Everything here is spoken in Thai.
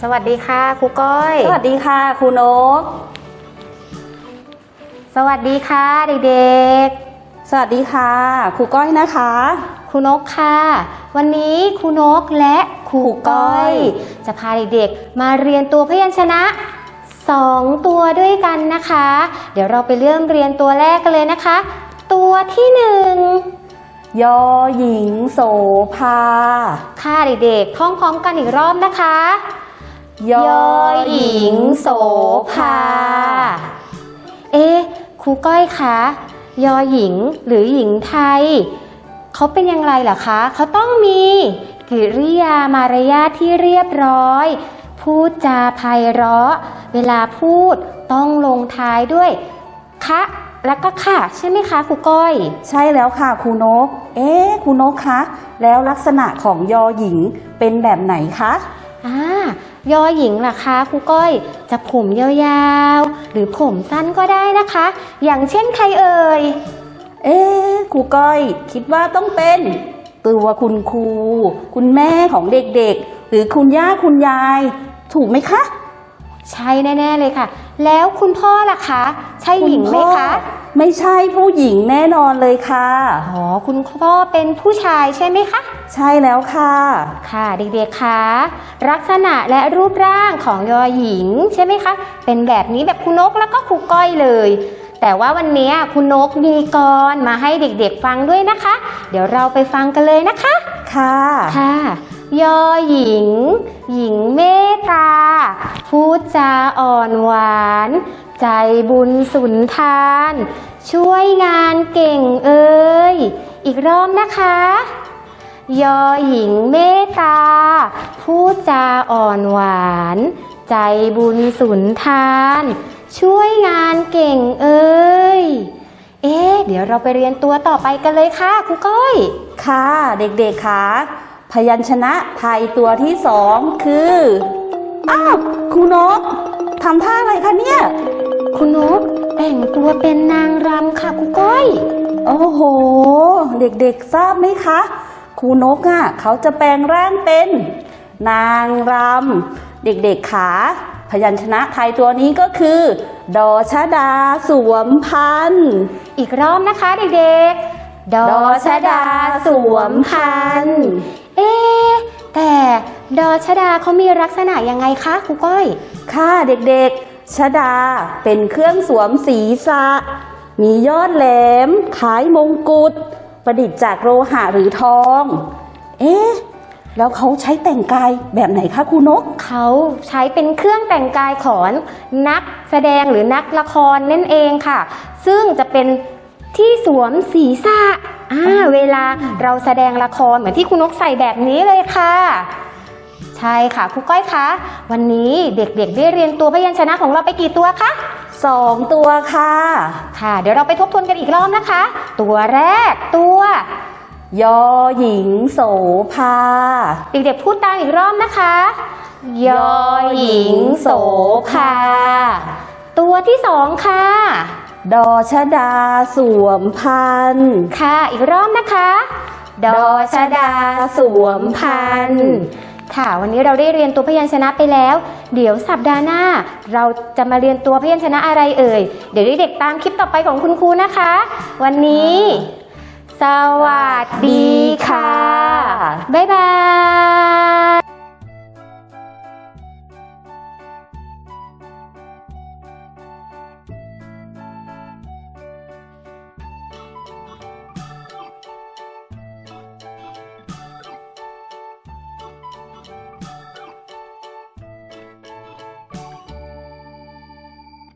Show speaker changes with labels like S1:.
S1: สวัสดีค่ะครูก้อย
S2: สวัสดีค่ะครูนก
S1: สวัสดีค่ะเด็ก
S2: ๆสวัสดีค่ะครูก้อยนะคะ
S1: ครูนกค่ะวันนี้ครูนกและครูก้อยจะพาเด็กๆมาเรียนตัวพยัญชนะ2ตัวด้วยกันนะคะเดี๋ยวเราไปเริ่มเรียนตัวแรกกันเลยนะคะตัวที่1ยอหญิงโสภาค่ะเด็กๆท่องพร้อมกันอีกรอบนะคะยอหญิงโสภาครูก้อยคะยอหญิงหรือหญิงไทยเขาเป็นอย่างไรล่ะคะเขาต้องมีกิริยามารยาทที่เรียบร้อยพูดจาไพเราะเวลาพูดต้องลงท้ายด้วยคะแล้วก็ค่ะใช่ไหมคะครูก้อย
S2: ใช่แล้วค่ะครูนกครูนกคะแล้วลักษณะของยอหญิงเป็นแบบไหนคะ
S1: ยอหญิงล่ะคะครูก้อยจะผมยาวๆหรือผมสั้นก็ได้นะคะอย่างเช่นใครเอ่ย
S2: ครูก้อยคิดว่าต้องเป็นตัวคุณครูคุณแม่ของเด็กๆหรือคุณย่าคุณยายถูกไหมคะ
S1: ใช่แน่ๆเลยค่ะแล้วคุณพ่อล่ะคะใช่หญิงไหมคะ
S2: ไม่ใช่ผู้หญิงแน่นอนเลยค่ะ
S1: คุณพ่อเป็นผู้ชายใช่ไหมคะ
S2: ใช่แล้วค่ะ
S1: ค่ะเด็กๆคะลักษณะและรูปร่างของยอหญิงใช่ไหมคะเป็นแบบนี้แบบครูนกแล้วก็ครูก้อยเลยแต่ว่าวันนี้ครูนกมีกลมาให้เด็กๆฟังด้วยนะคะเดี๋ยวเราไปฟังกันเลยนะคะค่ะยอหญิงหญิงเมตตาพูดจาอ่อนหวานใจบุญสุนทานช่วยงานเก่งอีกรอบนะคะยอหญิงเมตตาพูดจาอ่อนหวานใจบุญสุนทานช่วยงานเก่งเดี๋ยวเราไปเรียนตัวต่อไปกันเลยค่ะครูก้อย
S2: ค่ะเด็กๆค่ะพยัญชนะไทยตัวที่2คือครูนกทำท่าอะไรคะเนี่ย
S1: ครูนกแต่งตัวเป็นนางรำค่ะครูก้อย
S2: โอ้โหเด็กๆทราบไหมคะครูนกเขาจะแปลงร่างเป็นนางรำเด็กๆขาพยัญชนะไทยตัวนี้ก็คือดอชดาสวมพันธุ์
S1: อีกรอบนะคะเด็กๆดอชดาสวมพันธุ์แต่ดอชดาเขามีลักษณะยังไงคะครูก้อย
S2: ค่ะเด็กๆชดาเป็นเครื่องสวมศีรษะมียอดแหลมคล้ายมงกุฎประดิษฐ์จากโลหะหรือทองแล้วเขาใช้แต่งกายแบบไหนคะครูนก
S1: เขาใช้เป็นเครื่องแต่งกายของนักแสดงหรือนักละครนั่นเองค่ะซึ่งจะเป็นที่สวมศีรษะเวลาเราแสดงละครเหมือนที่ครูนกใส่แบบนี้เลยค่ะใช่ค่ะครูก้อยคะวันนี้เด็กๆได้เรียนตัวพยัญชนะของเราไปกี่ตัวคะ
S2: 2ตัวค่ะ
S1: เดี๋ยวเราไปทบทวนกันอีกรอบนะคะตัวแรกตัวย
S2: อหญิงโสภา
S1: เด็กๆพูดตามอีกรอบนะคะยอหญิงโสภาตัวที่2ค่ะ
S2: ดอชดาสวมพันธุ์
S1: ค่ะอีกรอบนะคะดอชดาสวมพันธุ์ค่ะวันนี้เราได้เรียนตัวพยัญชนะไปแล้วเดี๋ยวสัปดาห์หน้าเราจะมาเรียนตัวพยัญชนะอะไรเดี๋ยวเด็กๆตามคลิปต่อไปของคุณครูนะคะวันนี้สวัสดีค่ะบ๊ายบาย